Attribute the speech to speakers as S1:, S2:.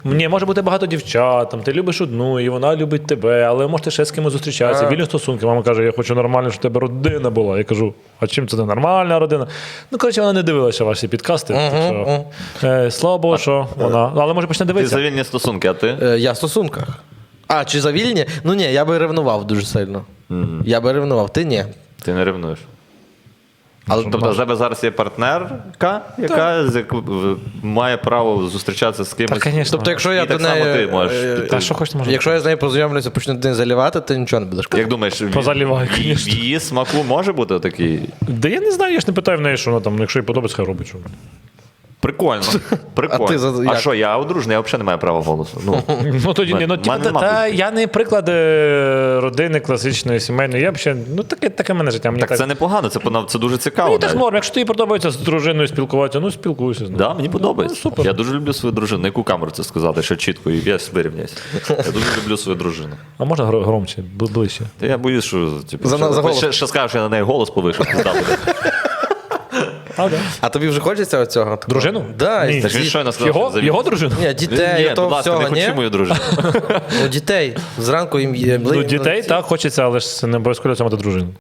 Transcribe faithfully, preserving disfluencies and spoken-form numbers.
S1: Ні, може бути багато дівчат, там, ти любиш одну, і вона любить тебе, але можете ще з кимось зустрічатися, вільні стосунки. Мама каже, я хочу нормально, щоб у тебе родина була. Я кажу, а чим це не нормальна родина? Ну, коротше, вона не дивилася ваші підкасти. Так що, е, слава Богу, що вона. Але може почне
S2: Ти
S1: дивитися.
S2: за вільні стосунки, а ти?
S3: Е, Я в стосунках. А, чи за вільні? Ну ні, я би ревнував дуже сильно.
S2: Мгм.
S3: Я би ревнував, ти ні.
S2: Ти не ревнуєш. Але, тобто, у тебе зараз є партнерка, яка з яку- в- має право зустрічатися з кимось.
S1: Так, звісно.
S3: Тобто, якщо я
S2: І так
S3: до
S2: само
S3: неї...
S2: ти можеш.
S3: е,
S2: Ти-
S1: Та що хочеш, може.
S3: Якщо я з нею познайомлюся, почну день заливати, ти нічого не будеш казати.
S2: Як думаєш, в-
S1: Позалівай,
S2: в- в
S1: звісно.
S2: її смаку може бути такий?
S1: Да я не знаю, я ж не питаю в неї, що вона там, якщо їй подобається, хай робить. Що.
S2: Прикольно. Прикольно.
S3: А ти за-
S2: А
S3: як?
S2: що, я одружений, я взагалі не маю права голосу. Ну,
S1: Ну тоді ні, ну
S2: Мене
S1: типу, та,
S2: нема
S1: та,
S2: тут.
S1: я не приклад е, родини класичної, сімейної. Я б ще, ну таке, таке мене життя. Мені
S2: так
S1: так,
S2: це непогано, це, пона- це дуже цікаво.
S1: мені так
S2: навіть.
S1: норм. Якщо тобі подобається з дружиною спілкуватися, ну спілкуйся з нею.
S2: Да, мені подобається.
S1: Ну, супер.
S2: Я дуже люблю свою дружину. На яку камеру це сказати, що чітко, і я вирівняюся. Я дуже люблю свою дружину.
S1: А можна гро- громче, бли- ближче.
S2: Та я боюсь, що типу,
S3: За-
S2: що,
S3: за голос.
S2: ще, ще скажу, що я на неї голос повишу. пизда буде.
S1: А, да.
S3: А тобі вже хочеться цього?
S1: Дружину?
S3: Да,
S1: Ні.
S3: і-
S2: Так він щойно сказав,
S1: Його,
S2: що завів-
S1: його дружину?
S3: Ні, дітей,
S2: Ні,
S3: то
S2: будь ласка, не
S3: всього, ні?
S2: хочу мою дружину.
S3: Ну, дітей. Зранку їм є...
S1: Ну, дітей так хочеться, але ж це не обов'язково це мати дружину.